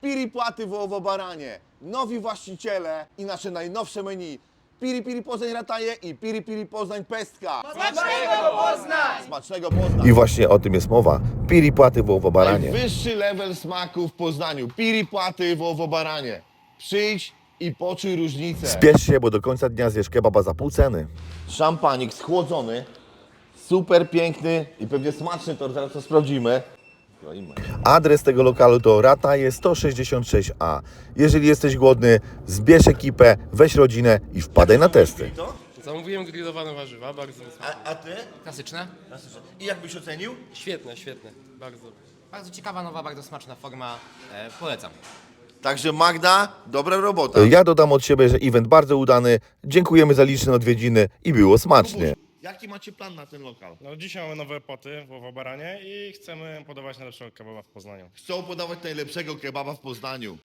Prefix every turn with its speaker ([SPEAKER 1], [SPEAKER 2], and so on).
[SPEAKER 1] Piri Płaty wołowo-baranie, nowi właściciele i nasze najnowsze menu. Piri Piri Poznań Rataje i Piri Piri Poznań Pestka.
[SPEAKER 2] Smacznego Poznań!
[SPEAKER 1] Smacznego Poznań.
[SPEAKER 3] I właśnie o tym jest mowa. Piri Płaty wołowo-baranie.
[SPEAKER 1] Najwyższy level smaku w Poznaniu. Piri Płaty wołowo-baranie. Przyjdź i poczuj różnicę.
[SPEAKER 3] Spiesz się, bo do końca dnia zjesz kebaba za pół ceny.
[SPEAKER 1] Szampanik schłodzony, super piękny i pewnie smaczny, to zaraz to sprawdzimy. Kroimy.
[SPEAKER 3] Adres tego lokalu to Rataje 166A. Jeżeli jesteś głodny, zbierz ekipę, weź rodzinę i wpadaj na testy.
[SPEAKER 4] Zamówiłem grillowane warzywa, bardzo smaczne.
[SPEAKER 1] A ty?
[SPEAKER 2] Klasyczne.
[SPEAKER 1] I jak byś ocenił?
[SPEAKER 4] Świetne, świetne, bardzo.
[SPEAKER 2] Bardzo ciekawa, nowa, bardzo smaczna forma. Polecam.
[SPEAKER 1] Także Magda, dobra robota.
[SPEAKER 3] Ja dodam od siebie, że event bardzo udany. Dziękujemy za liczne odwiedziny i było smacznie.
[SPEAKER 1] Jaki macie plan na ten lokal?
[SPEAKER 5] No, dzisiaj mamy nowe poty w Baranie i chcemy podawać najlepszego kebaba w Poznaniu.
[SPEAKER 1] Chcą podawać najlepszego kebaba w Poznaniu.